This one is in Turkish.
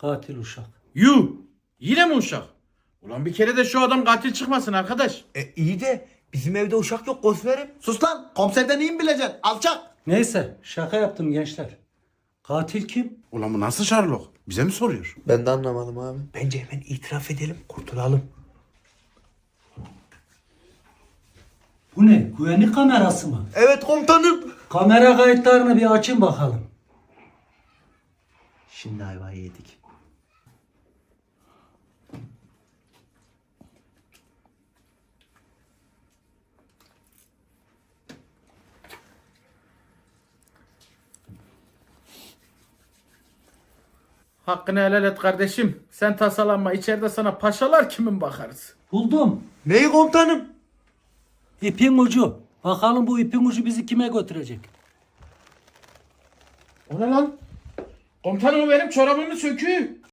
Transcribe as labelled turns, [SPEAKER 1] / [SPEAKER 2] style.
[SPEAKER 1] Katil uşak.
[SPEAKER 2] Yuh! Yine mi uşak? Ulan bir kere de şu adam katil çıkmasın arkadaş.
[SPEAKER 3] İyi de bizim evde uşak yok komiserim.
[SPEAKER 4] Sus lan, komiserden iyi mi bileceksin? Alçak.
[SPEAKER 1] Neyse şaka yaptım gençler. Katil kim?
[SPEAKER 2] Ulan bu nasıl Sherlock? Bize mi soruyor?
[SPEAKER 3] Ben de anlamadım abi. Bence hemen itiraf edelim, kurtulalım.
[SPEAKER 1] Bu ne? Güvenlik kamerası mı?
[SPEAKER 3] Evet komutanım.
[SPEAKER 1] Kamera kayıtlarını bir açın bakalım.
[SPEAKER 4] Şimdi ayvayı yedik.
[SPEAKER 2] Hakkını helal et kardeşim. Sen tasalanma. İçeride sana paşalar kimin bakarız?
[SPEAKER 1] Buldum.
[SPEAKER 3] Neyi komutanım?
[SPEAKER 1] İpin ucu. Bakalım bu ipin ucu bizi kime götürecek?
[SPEAKER 2] O ne lan? Komutanım o benim çorabımın söküğü.